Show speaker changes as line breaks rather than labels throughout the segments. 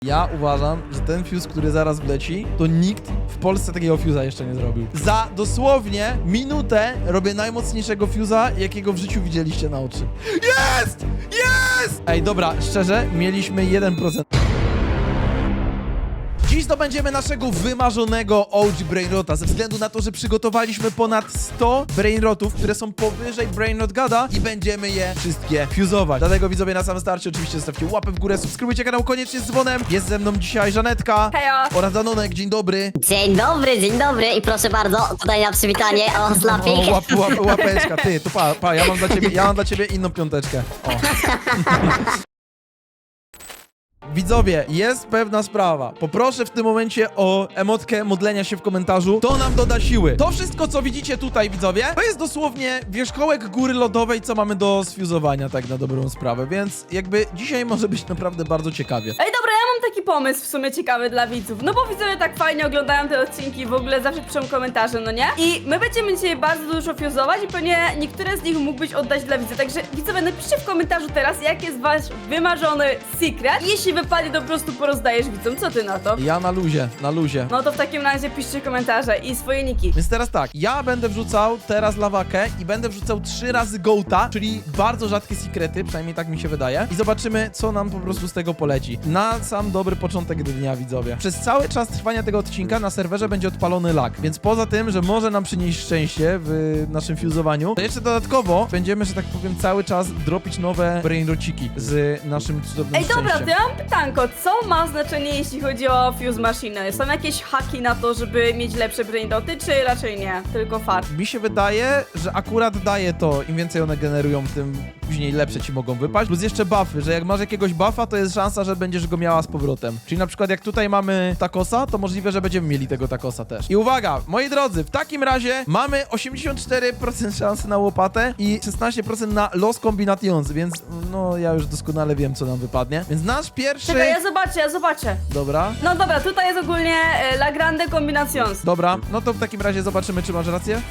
Ja uważam, że ten fuse, który zaraz wleci, to nikt w Polsce takiego fuse'a jeszcze nie zrobił. Za dosłownie minutę robię najmocniejszego fuse'a, jakiego w życiu widzieliście na oczy. Jest! Jest! Ej, dobra, szczerze, mieliśmy 1%. Dziś zdobędziemy naszego wymarzonego OG Brainrota, ze względu na to, że przygotowaliśmy ponad 100 Brainrotów, które są powyżej Brainrot Gada i będziemy je wszystkie fuzować. Dlatego widzowie na samym starcie oczywiście zostawcie łapę w górę, subskrybujcie kanał koniecznie z dzwonem. Jest ze mną dzisiaj Żanetka
Hejo.
oraz Danonek, dzień dobry.
Dzień dobry i proszę bardzo, tutaj na przywitanie, o slapik.
O, łapeczka, ty, to pa, ja mam dla ciebie inną piąteczkę. O. Widzowie, jest pewna sprawa. Poproszę w tym momencie o emotkę modlenia się w komentarzu. To nam doda siły. To wszystko, co widzicie tutaj, widzowie, to jest dosłownie wierzchołek góry lodowej, co mamy do sfuzowania, tak na dobrą sprawę. Więc jakby dzisiaj może być naprawdę bardzo ciekawie.
Ej, dobra, ja mam taki pomysł w sumie ciekawy dla widzów. No bo widzowie tak fajnie oglądają te odcinki, w ogóle zawsze piszą komentarze, no nie? I my będziemy dzisiaj bardzo dużo fuzować i pewnie niektóre z nich mógłbyś oddać dla widzów. Także widzowie, napiszcie w komentarzu teraz, jaki jest wasz wymarzony secret. Jeśli wypadnie, to po prostu porozdajesz widzom. Co ty na to?
Ja na luzie.
No to w takim razie piszcie komentarze i swoje niki.
Więc teraz tak, ja będę wrzucał teraz lawakę i będę wrzucał 3 razy gołta, czyli bardzo rzadkie sekrety, przynajmniej tak mi się wydaje. I zobaczymy, co nam po prostu z tego poleci. Na sam dobry początek dnia, widzowie. Przez cały czas trwania tego odcinka na serwerze będzie odpalony lag, więc poza tym, że może nam przynieść szczęście w naszym fuzowaniu, to jeszcze dodatkowo będziemy, że tak powiem, cały czas dropić nowe brainrociki z naszym cudownym
Ej, dobra, to
szczęściem.
ja mam pytanko. Co ma znaczenie, jeśli chodzi o fuse machine? Są jakieś haki na to, żeby mieć lepsze brainroty, czy raczej nie? Tylko fart.
Mi się wydaje, że akurat daje to, im więcej one generują, tym później lepsze ci mogą wypaść. Plus jeszcze buffy, że jak masz jakiegoś buffa, to jest szansa, że będziesz go miała z powrotem. Czyli na przykład jak tutaj mamy takosa, to możliwe, że będziemy mieli tego takosa też. I uwaga, moi drodzy, w takim razie mamy 84% szansy na łopatę i 16% na Los Combinations, więc no ja już doskonale wiem, co nam wypadnie. Więc nasz pierwszy...
Czekaj, ja zobaczę.
Dobra.
No dobra, tutaj jest ogólnie La Grande Combinations.
Dobra, no to w takim razie zobaczymy, czy masz rację.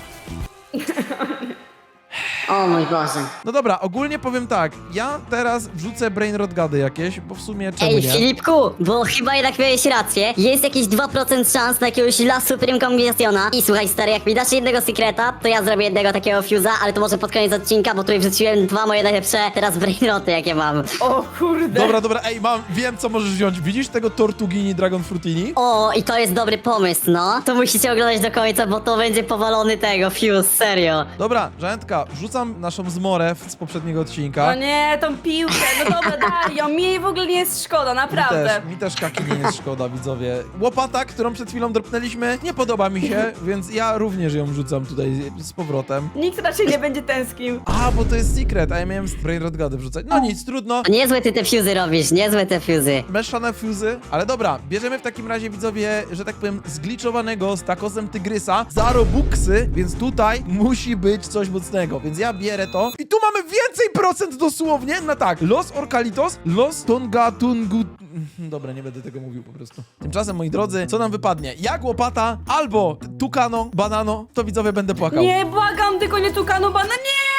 O mój Boże.
No dobra, ogólnie powiem tak, ja teraz wrzucę brainrot gady jakieś, bo w sumie czemu
Ej,
nie?
Filipku, bo chyba jednak miałeś rację. Jest jakieś 2% szans na jakiegoś La Supreme Combinationa. I słuchaj stary, jak mi dasz jednego sekreta, to ja zrobię jednego takiego fuse'a, ale to może pod koniec odcinka, bo tutaj wrzuciłem 2 moje najlepsze teraz brainroty, jakie mam.
O kurde.
Dobra, ej, wiem co możesz wziąć. Widzisz tego Tortugini Dragon Frutini?
O, i to jest dobry pomysł, no. To musicie oglądać do końca, bo to będzie powalony tego fuse, serio.
Dobra, Żanetka, wrzucam naszą zmorę z poprzedniego odcinka.
No nie, tą piłkę, no dobra, daj ją, mi w ogóle nie jest szkoda, naprawdę.
Mi też kaki nie jest szkoda, widzowie. Łopata, którą przed chwilą dropnęliśmy, nie podoba mi się, więc ja również ją wrzucam tutaj z powrotem.
Nikt raczej nie będzie tęsknił.
A, bo to jest secret, a ja miałem brainrot gady wrzucać. No nic, trudno.
Niezłe ty te fuse'y robisz, niezłe te fuse'y.
Mieszane fuzy, ale dobra, bierzemy w takim razie, widzowie, że tak powiem, zgliczowanego z takosem tygrysa za robuxy, więc tutaj musi być coś mocnego, więc ja bierę to. I tu mamy więcej procent dosłownie na tak, Los Orcalitos, Los Tongatungu... Dobra, nie będę tego mówił po prostu. Tymczasem, moi drodzy, co nam wypadnie? Jak łopata, albo tukano, banano, to widzowie będę płakał.
Nie, błagam, tylko nie tukano bana, nie!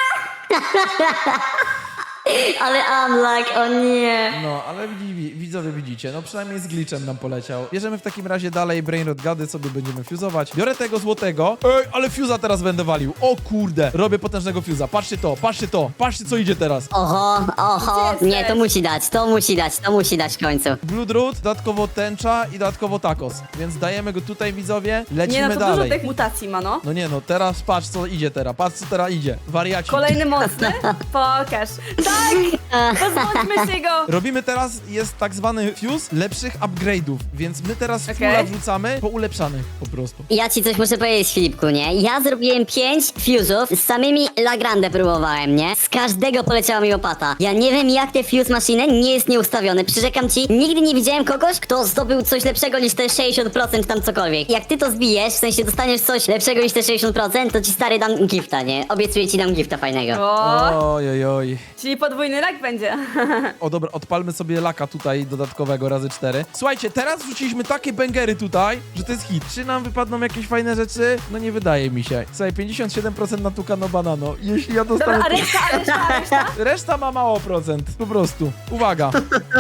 Ale unluck, o nie.
No, ale widzowie widzicie, no przynajmniej z glitchem nam poleciał. Bierzemy w takim razie dalej brainrot gady, sobie będziemy fuzować. Biorę tego złotego. Ej, ale fuza teraz będę walił. O kurde, robię potężnego fuza. Patrzcie to, patrzcie co idzie teraz.
Oho,
Gdzie
nie,
jesteś?
to musi dać w końcu.
Bloodroot, dodatkowo tęcza i dodatkowo tacos. Więc dajemy go tutaj, widzowie. Lecimy
Nie, no to
dalej.
dużo tych mutacji ma, no.
No nie no, teraz patrz co idzie teraz. Patrz co teraz idzie. Wariaci.
Kolejny mocny? Pokaż. Tak! Pozbądźmy się go!
Robimy teraz, jest tak zwany fuse lepszych upgrade'ów, więc my teraz
Okej.
fulla wrzucamy po ulepszanych po prostu.
Ja ci coś muszę powiedzieć, Filipku, nie? Ja zrobiłem 5 fuse'ów, z samymi La Grande próbowałem, nie? Z każdego poleciała mi łopata. Ja nie wiem, jak te fuse machine nie jest nieustawiony. Przyrzekam ci, nigdy nie widziałem kogoś, kto zdobył coś lepszego niż te 60% tam cokolwiek. Jak ty to zbijesz, w sensie dostaniesz coś lepszego niż te 60%, to ci stary dam gifta, nie? Obiecuję ci dam gifta fajnego.
O,
Ojojoj.
czyli podwójny rak będzie.
O dobra, odpalmy sobie laka tutaj dodatkowego razy 4. Słuchajcie, teraz wrzuciliśmy takie bęgery tutaj, że to jest hit. Czy nam wypadną jakieś fajne rzeczy? No nie wydaje mi się. Słuchaj, 57% na tukano banano. Jeśli ja dostanę...
Dobra, a reszta?
Reszta ma mało procent, po prostu. Uwaga.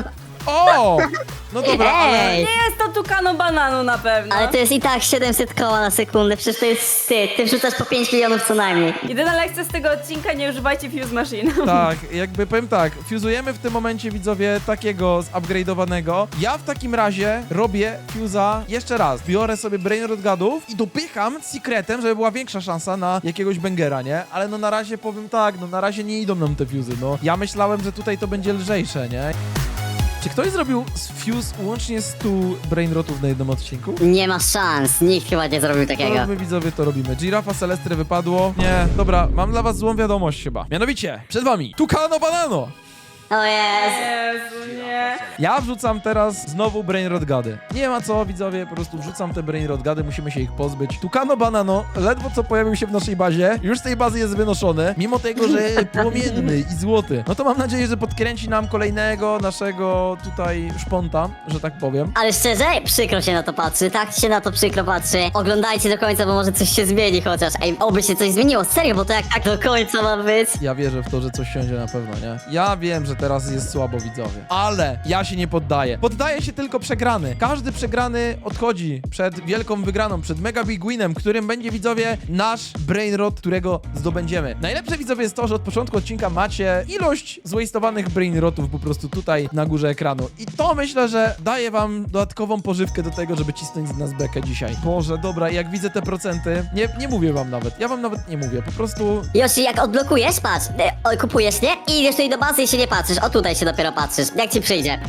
O! No dobra, ale...
Ej!
Nie jest to Tucano Banano na pewno.
Ale to jest i tak 700 koła na sekundę, przecież to jest wstyd. Ty wrzucasz po 5 milionów co najmniej.
Jedyna lekcja z tego odcinka, nie używajcie Fuse Machine.
Tak, jakby powiem tak, fuzujemy w tym momencie, widzowie, takiego zupgrade'owanego. Ja w takim razie robię fuza jeszcze raz. Biorę sobie Brain Rot Gadów i dopycham secretem, żeby była większa szansa na jakiegoś bangera, nie? Ale no na razie powiem tak, no na razie nie idą nam te fuzy, no. Ja myślałem, że tutaj to będzie lżejsze, nie? Czy ktoś zrobił fuse łącznie 100 Brain Rotów na jednym odcinku?
Nie ma szans, nikt chyba nie zrobił takiego.
No, my widzowie to robimy. Girafa Celestry wypadło. Nie, dobra, mam dla was złą wiadomość chyba. Mianowicie, przed wami Tucano Banano!
O jest!
Jezu, nie.
Ja wrzucam teraz znowu Brain Rot Gady. Nie ma co, widzowie, po prostu wrzucam te Brain Rot Gady, musimy się ich pozbyć. Tucano Banano ledwo co pojawił się w naszej bazie, już z tej bazy jest wynoszony, mimo tego, że płomienny i złoty. No to mam nadzieję, że podkręci nam kolejnego naszego tutaj szponta, że tak powiem.
Ale szczerze, przykro się na to patrzy, tak się na to przykro patrzy. Oglądajcie do końca, bo może coś się zmieni chociaż. Ej, oby się coś zmieniło, serio, bo to jak tak do końca ma być.
Ja wierzę w to, że coś siądzie na pewno, nie? Ja wiem, że teraz jest słabo, widzowie. Ale ja się nie poddaję. Poddaje się tylko przegrany. Każdy przegrany odchodzi przed wielką wygraną, przed mega big winem, którym będzie, widzowie, nasz brain rot, którego zdobędziemy. Najlepsze, widzowie, jest to, że od początku odcinka macie ilość zwastowanych brain rotów po prostu tutaj na górze ekranu. I to myślę, że daje wam dodatkową pożywkę do tego, żeby cisnąć z nas bekę dzisiaj. Boże, dobra, jak widzę te procenty, nie mówię wam nawet. Ja wam nawet nie mówię. Po prostu
Yoshi, jak odblokujesz, patrz, kupujesz, nie? I idziesz tutaj do bazy i się nie patrzysz, o tutaj się dopiero patrzysz, jak ci przyjdzie.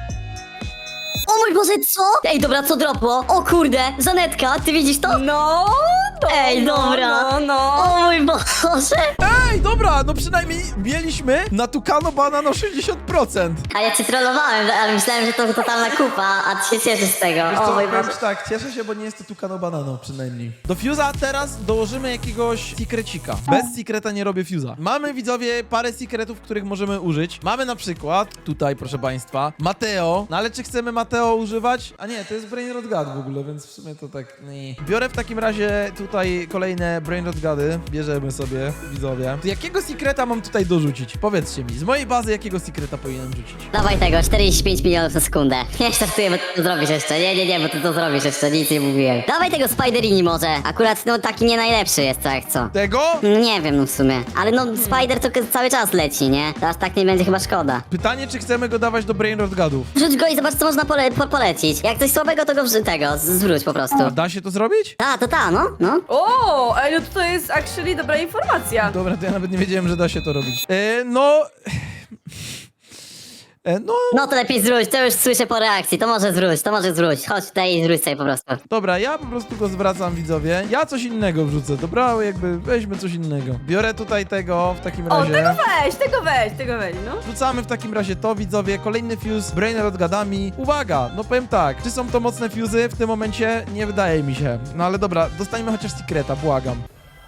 O mój Boże, co? Ej, dobra, co dropło? O kurde, Żanetka, ty widzisz to?
No,
Ej, dobra.
No.
O mój Boże!
ej, dobra, no przynajmniej mieliśmy na Tucano Banano 60%.
A ja cię trollowałem, ale myślałem, że to totalna kupa, a ty się cieszysz z tego.
Wiesz
O
co,
mój
powiem
Boże.
ci tak, cieszę się, bo nie jest to Tucano Banano przynajmniej. Do Fuse'a teraz dołożymy jakiegoś secrecika. Bez secreta nie robię Fuse'a. Mamy, widzowie, parę secretów, których możemy użyć. Mamy na przykład, tutaj proszę państwa, Mateo. No ale czy chcemy Mateo używać? A nie, to jest Brain Rot God w ogóle, więc w sumie to tak nie. Biorę w takim razie tutaj kolejne Brain Rot Gody. Bierzemy sobie, widzowie. To jakiego secreta mam tutaj dorzucić? Powiedzcie mi, z mojej bazy jakiego secreta powinienem rzucić?
Dawaj tego, 45 milionów na sekundę. Nie startuję, bo ty to zrobisz jeszcze. Nie, bo ty to zrobisz jeszcze, nic nie mówiłem. Dawaj tego Spiderini może. Akurat, no, taki nie najlepszy jest, tak co.
Tego?
Nie wiem, no w sumie. Ale no, Spider to cały czas leci, nie? Teraz tak nie będzie chyba szkoda.
Pytanie, czy chcemy go dawać do Brain Rot Godów?
Rzuć go i zobacz, co można polecić. Jak coś słabego, to go zwróć po prostu.
A da się to zrobić?
No.
O, ej, no to jest actually dobra informacja.
Dobra, to ja nawet nie wiedziałem, że da się to robić. No... No,
No to lepiej zwróć, to już słyszę po reakcji. To może zwróć. Chodź tutaj i zwróć sobie po prostu.
dobra, ja po prostu go zwracam, widzowie. Ja coś innego wrzucę, dobra? Jakby weźmy coś innego. Biorę tutaj tego w takim
O,
razie.
tego weź, no.
Wrzucamy w takim razie to, widzowie. Kolejny fuse, Brain Rot Gadami. Uwaga, no powiem tak, czy są to mocne fuzy? W tym momencie nie wydaje mi się. No ale dobra, dostańmy chociaż secreta, błagam.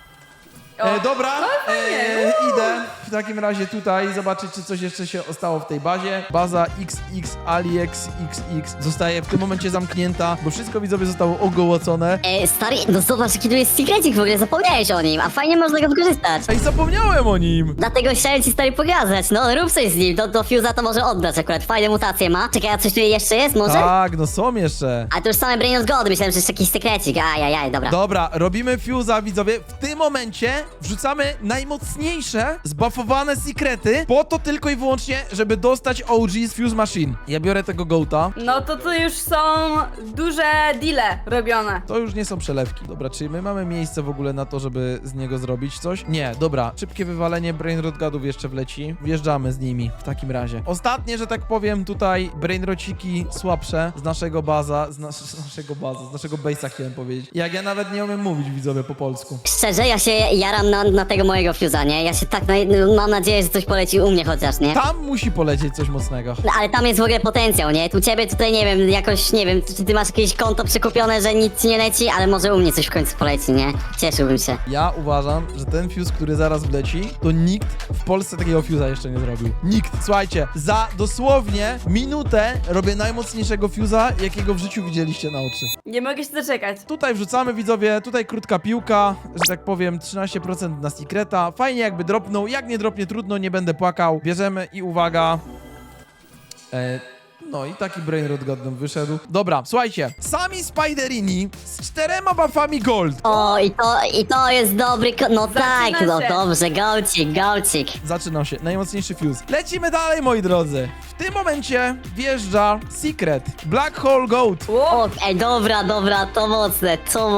O,
Dobra,
fajnie.
idę w takim razie tutaj zobaczyć, czy coś jeszcze się ostało w tej bazie. Baza XX AliEx XX zostaje w tym momencie zamknięta, bo wszystko, widzowie, zostało ogołocone.
Stary, no zobacz, jaki tu jest secretik w ogóle, zapomniałeś o nim, a fajnie można go wykorzystać.
Ej, zapomniałem o nim!
Dlatego chciałem ci stary pokazać, no rób coś z nim, do Fuse'a to może oddać akurat, fajne mutacje ma. Czekaj, a coś tu jeszcze jest może?
Tak, no są jeszcze.
A to już same Brain of God, myślałem, że jeszcze jakiś sekrecik, ajajaj, dobra.
Dobra, robimy fuse'a, widzowie. W tym momencie wrzucamy najmocniejsze, zbuffowane sekrety, po to tylko i wyłącznie, żeby dostać OG z Fuse Machine. Ja biorę tego gołta.
No to już są duże deale robione.
To już nie są przelewki. Dobra, czy my mamy miejsce w ogóle na to, żeby z niego zrobić coś? Nie, dobra. Szybkie wywalenie Brain Rot Gadów jeszcze wleci. Wjeżdżamy z nimi w takim razie. Ostatnie, że tak powiem, tutaj Brain Rociki słabsze z naszego z naszego base'a chciałem powiedzieć. Jak ja nawet nie umiem mówić, widzowie, po polsku.
Szczerze, ja się jaram na tego mojego Fuse'a, nie? Ja się tak, mam nadzieję, że coś poleci u mnie chociaż, nie?
Tam musi polecieć coś mocnego.
No, ale tam jest w ogóle potencjał, nie? Tu ciebie tutaj, nie wiem, jakoś, nie wiem, czy ty masz jakieś konto przekupione, że nic ci nie leci, ale może u mnie coś w końcu poleci, nie? Cieszyłbym się.
Ja uważam, że ten fuse, który zaraz wleci, to nikt w Polsce takiego fuse'a jeszcze nie zrobił. Nikt. Słuchajcie, za dosłownie minutę robię najmocniejszego fuse'a, jakiego w życiu widzieliście na oczy.
Nie mogę się doczekać.
Tutaj wrzucamy, widzowie, tutaj krótka piłka, że tak powiem 13% na secreta. Fajnie jakby dropnął, jak nie dropnie trudno, nie będę płakał. Bierzemy i uwaga. No i taki brainrot god nam wyszedł. Dobra, słuchajcie. Sami Spiderini z 4 buffami gold.
O, i to jest dobry, no
Zaczyna
tak, no
się.
dobrze, golcik.
Zaczynał się, najmocniejszy fuse. Lecimy dalej, moi drodzy. W tym momencie wjeżdża Secret. Black Hole Goat.
O, ej, dobra, to mocne.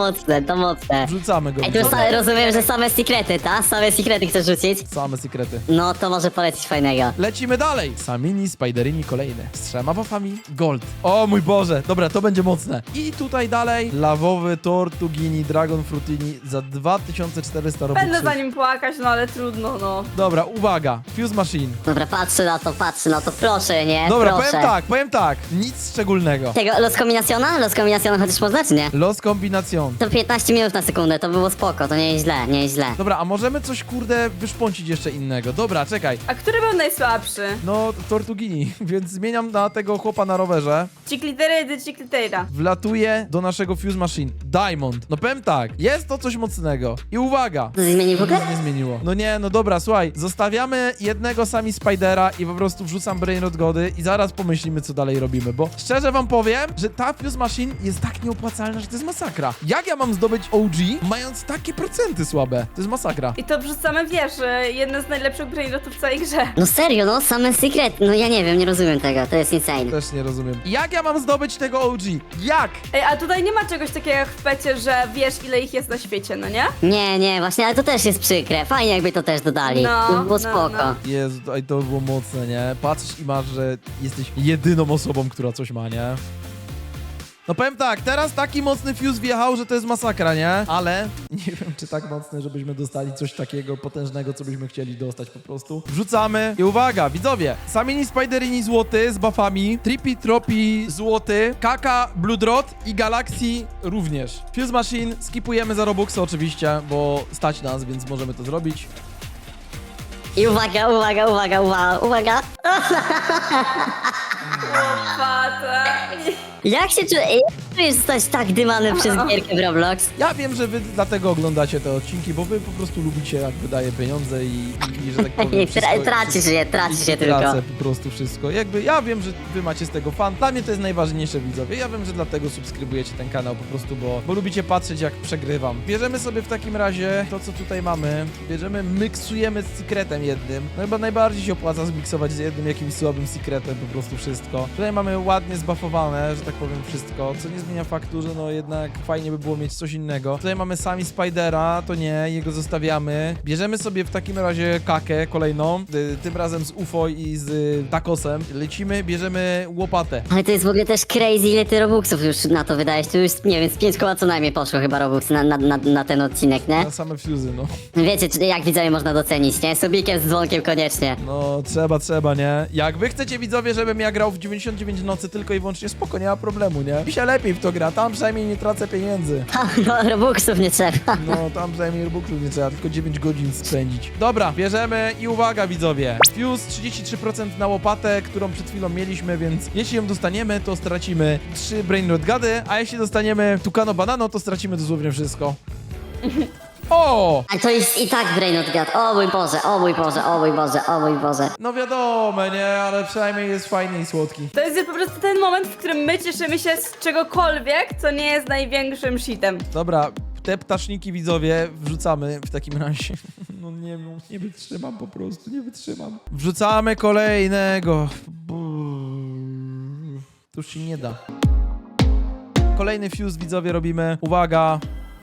Wrzucamy go.
Ej, tu rozumiem, że same sekrety, ta? Same sekrety chcesz rzucić?
Same sekrety.
No, to może polecić fajnego.
Lecimy dalej. Samini Spiderini kolejny. Z 3 buffami gold. O mój Boże. Dobra, to będzie mocne. I tutaj dalej lawowy Tortugini Dragon Frutini za 2400 robuxów.
Będę za nim płakać, no ale trudno, no.
Dobra, uwaga. Fuse Machine.
Dobra, patrzę na to, proszę, nie?
Dobra,
proszę.
powiem tak. Nic szczególnego.
Tego, Los Combinaciona? Los Combinaciona chociaż można, czy nie?
Los Combination.
To 15 minut na sekundę, to było spoko, to nie jest źle.
Dobra, a możemy coś, kurde, wyszpącić jeszcze innego. Dobra, czekaj.
A który był najsłabszy?
No, Tortugini, więc zmieniam na tego chłopa na rowerze.
Ciklitera.
Wlatuje do naszego Fuse Machine. Diamond. No powiem tak, jest to coś mocnego. I uwaga.
To się zmieni w ogóle?
Nic nie zmieniło. No nie, no dobra, słuchaj. Zostawiamy jednego sami Spidera i po prostu wrzucam Brainrot Gody i zaraz pomyślimy, co dalej robimy, bo szczerze wam powiem, że ta Fuse Machine jest tak nieopłacalna, że to jest masakra. Jak ja mam zdobyć OG, mając takie procenty słabe? To jest masakra.
I to wrzucamy, wiesz, jedne z najlepszych brainrotów w całej grze.
No serio, no, same sekrety, no ja nie wiem, nie rozumiem tego, to jest insane.
Też nie rozumiem. Jak ja mam zdobyć tego OG? Jak?
Ej, a tutaj nie ma czegoś takiego jak w pecie, że wiesz, ile ich jest na świecie, no nie?
Nie, właśnie, ale to też jest przykre, fajnie jakby to też dodali,
No,
to by było
no,
spoko.
no.
Jezu, to by było mocne, nie? Patrzysz i masz, że jesteś jedyną osobą, która coś ma, nie? No powiem tak, teraz taki mocny fuse wjechał, że to jest masakra, nie? Ale nie wiem, czy tak mocny, żebyśmy dostali coś takiego potężnego, co byśmy chcieli dostać po prostu. Wrzucamy i uwaga, widzowie, Samini Spiderini złoty z buffami, Trippy Tropi złoty, Kaka Blue Drot i Galaxy również. Fuse Machine skipujemy za Robuxy oczywiście, bo stać nas, więc możemy to zrobić.
I uwaga.
Fata.
Jak się czujesz zostać tak dymany przez gierkę w Roblox?
Ja wiem, że wy dlatego oglądacie te odcinki, bo wy po prostu lubicie, jak wydaje pieniądze i że tak powiem,
Traci się
i
tylko.
tracę po prostu wszystko. Jakby ja wiem, że wy macie z tego fan. Dla mnie to jest najważniejsze, widzowie. Ja wiem, że dlatego subskrybujecie ten kanał po prostu, bo lubicie patrzeć, jak przegrywam. Bierzemy sobie w takim razie to, co tutaj mamy. Miksujemy z secretem jednym. No chyba najbardziej się opłaca zmiksować z jednym jakimś słabym secretem po prostu wszystko. Tutaj mamy ładnie zbuffowane, że tak powiem, wszystko, co nie zmienia faktu, że no jednak fajnie by było mieć coś innego. Tutaj mamy sami Spidera, to nie, jego zostawiamy. Bierzemy sobie w takim razie Kakę kolejną, tym razem z UFO i z Takosem. Lecimy, bierzemy łopatę.
Ale to jest w ogóle też crazy, ile ty Robuxów już na to wydajesz. Tu już, nie wiem, z 5 koła co najmniej poszło chyba Robux na ten odcinek, nie?
Na same fuzy, no.
Wiecie, jak widzowie można docenić, nie? Subikiem z dzwonkiem koniecznie.
No, trzeba, nie? Jak wy chcecie, widzowie, żebym ja grał w 99 nocy tylko i wyłącznie, spoko, nie ma problemu, nie? Mi się lepiej w to gra, tam przynajmniej nie tracę pieniędzy.
No, Robuxów nie trzeba.
No, tam przynajmniej Robuxów nie trzeba, tylko 9 godzin spędzić. Dobra, bierzemy i uwaga, widzowie. Fuse 33% na łopatę, którą przed chwilą mieliśmy, więc jeśli ją dostaniemy, to stracimy 3 Brainrot Gady, a jeśli dostaniemy Tucano Banano, to stracimy dosłownie wszystko. O!
Ale to jest i tak Brainrot God. O mój Boże.
No wiadomo, nie? Ale przynajmniej jest fajny i słodki.
To jest po prostu ten moment, w którym my cieszymy się z czegokolwiek, co nie jest największym shitem.
Dobra, te ptaszniki, widzowie, wrzucamy w takim razie. No nie wytrzymam po prostu, nie wytrzymam. Wrzucamy kolejnego. To już się nie da. Kolejny fuse, widzowie, robimy. Uwaga.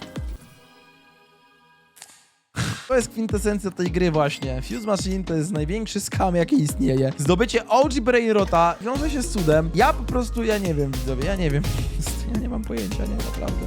To jest kwintesencja tej gry właśnie. Fuse Machine to jest największy skam, jaki istnieje. Zdobycie OG Brainrota wiąże się z cudem. Ja po prostu, ja nie wiem, widzowie, ja nie wiem. Ja nie mam pojęcia, nie, naprawdę.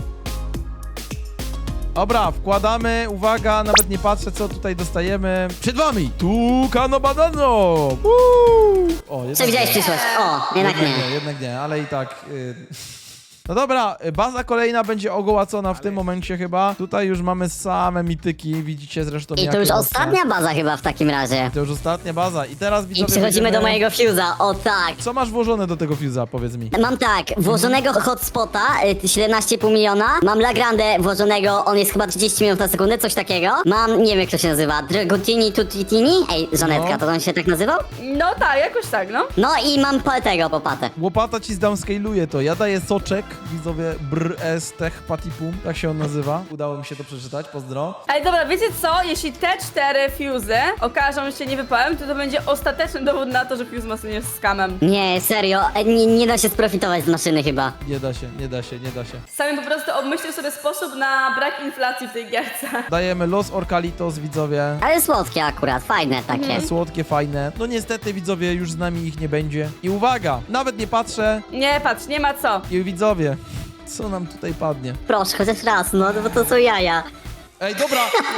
Dobra, wkładamy, uwaga, nawet nie patrzę, co tutaj dostajemy. Przed wami! Tucano Banano! O,
Przewidziałeś przyszłość. O, jednak nie.
Jednak nie, ale i tak... No dobra, baza kolejna będzie ogołacona w tym momencie chyba. Tutaj już mamy same mityki, widzicie zresztą
I to
jakie
już
mocne.
ostatnia baza chyba w takim razie.
To już ostatnia baza. I teraz
I
widzowie
przechodzimy do
będziemy-
mojego fuse'a, o tak.
Co masz włożone do tego fuse'a, powiedz mi?
Mam tak, włożonego hotspota, 17,5 miliona. Mam Lagrandę włożonego, on jest chyba 30 minut na sekundę, coś takiego. Mam, nie wiem jak to się nazywa, Dragotini Tutitini? Ej, Żanetka,
No.
to on się tak nazywał?
No tak, jakoś tak, no.
No i mam tego popatę.
Łopata ci zdownscaluje to. Ja daję soczek, widzowie, Tech Patipum, tak się on nazywa. Udało mi się to przeczytać, pozdro.
Ale dobra, wiecie co? Jeśli te 4 fuse'y okażą się niewypałem, to będzie ostateczny dowód na to, że fuse maszyny jest scamem.
Nie, serio, nie da się sprofitować z maszyny chyba.
Nie da się, nie da się, nie da się.
Sami po prostu obmyślił sobie sposób na brak inflacji w tej gierce.
Dajemy Los Orcalitos, widzowie.
Ale słodkie akurat, fajne takie.
Słodkie, fajne. No niestety, widzowie, już z nami ich nie będzie. I uwaga, nawet nie patrzę.
Nie patrz, nie ma co.
I widzowie, co nam tutaj padnie?
Proszę, chociaż raz, no bo to są jaja.
Ej, dobra!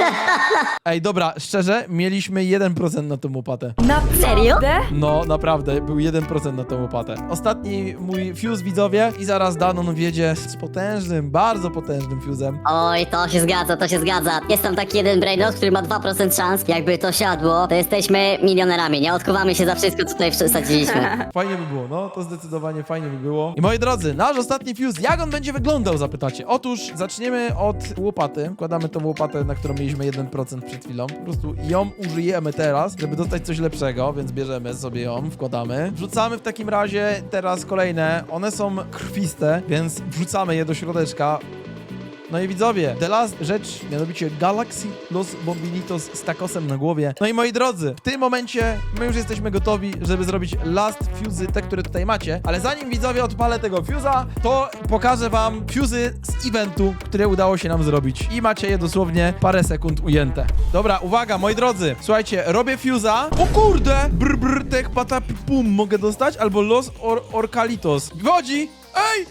Ej, dobra, szczerze, mieliśmy 1% na tą łopatę.
Naprawdę?
Serio?
No, naprawdę, był 1% na tą łopatę. Ostatni mój fuse, widzowie, i zaraz Danon wjedzie z potężnym, bardzo potężnym fusem.
Oj, to się zgadza, to się zgadza. Jest tam taki jeden brainrot, który ma 2% szans. Jakby to siadło, to jesteśmy milionerami, nie odkuwamy się za wszystko, co tutaj wsadziliśmy.
Fajnie by było, no, to zdecydowanie fajnie by było. I moi drodzy, nasz ostatni fuse, jak on będzie wyglądał, zapytacie? Otóż zaczniemy od łopaty. Wkładamy tą łopatę, na którą mieliśmy 1% przed chwilą. Po prostu ją użyjemy teraz, żeby dostać coś lepszego, więc bierzemy sobie ją, wkładamy. Wrzucamy w takim razie teraz kolejne. One są krwiste, więc wrzucamy je do środeczka. No i widzowie, the last rzecz, mianowicie Galaxy Los Bombinitos z tacosem na głowie. No i moi drodzy, w tym momencie my już jesteśmy gotowi, żeby zrobić last fuse'y, te, które tutaj macie. Ale zanim widzowie odpalę tego fuse'a, to pokażę wam fuse'y z eventu, które udało się nam zrobić. I macie je dosłownie parę sekund ujęte. Dobra, uwaga, moi drodzy, słuchajcie, robię fuse'a. O kurde! Tech patapum mogę dostać? Albo Los Orcalitos. Wchodzi! Ej!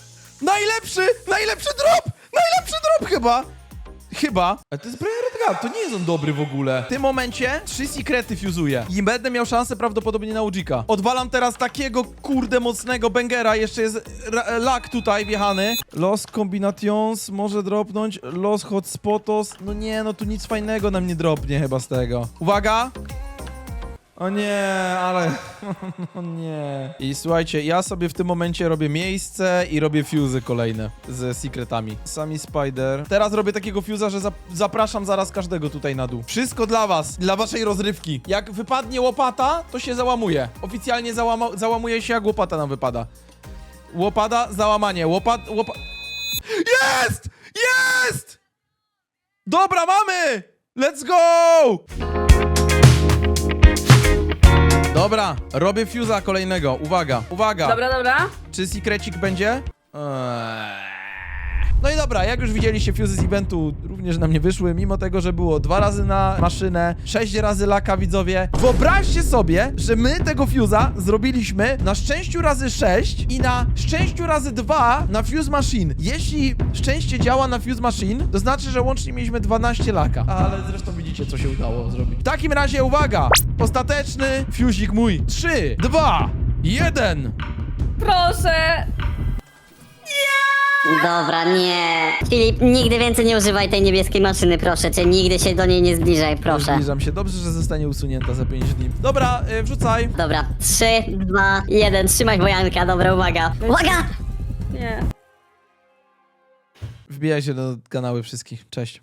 Najlepszy drop! Najlepszy drop chyba. Ale to jest Brian Redguard, to nie jest on dobry w ogóle. W tym momencie 3 sekrety fuzuję i będę miał szansę prawdopodobnie na Ujika. Odwalam teraz takiego kurde mocnego bangera, jeszcze jest lag tutaj wjechany. Los Combinations może dropnąć, Los Hotspotos. No nie, no tu nic fajnego nam nie dropnie chyba z tego. Uwaga! O nie, ale... O nie. I słuchajcie, ja sobie w tym momencie robię miejsce i robię fuse'y kolejne ze secretami. Sami Spider. Teraz robię takiego fuse'a, że zapraszam zaraz każdego tutaj na dół. Wszystko dla was, dla waszej rozrywki. Jak wypadnie łopata, to się załamuje. Oficjalnie załamuje się, jak łopata nam wypada. Łopata, załamanie. Jest! Jest! Dobra, mamy! Let's go! Dobra, robię fuse'a kolejnego. Uwaga, uwaga.
Dobra.
Czy secrecik będzie? No i dobra, jak już widzieliście, fuse z eventu również nam nie wyszły, mimo tego, że było 2 razy na maszynę, 6 razy laka, widzowie. Wyobraźcie sobie, że my tego fuse'a zrobiliśmy na szczęściu razy 6 i na szczęściu razy 2 na fuse machine. Jeśli szczęście działa na fuse machine, to znaczy, że łącznie mieliśmy 12 laka. Ale zresztą widzicie, co się udało zrobić. W takim razie, uwaga! Ostateczny fuzik mój. 3, 2, 1.
Proszę.
Dobra, nie. Filip, nigdy więcej nie używaj tej niebieskiej maszyny, proszę cię. Nigdy się do niej nie zbliżaj, proszę.
Zbliżam się. Dobrze, że zostanie usunięta za 5 dni. Dobra, wrzucaj.
Dobra, 3, 2, 1, trzymaj wojanka, dobra, uwaga. Uwaga!
Nie.
Wbijaj się do kanały wszystkich. Cześć.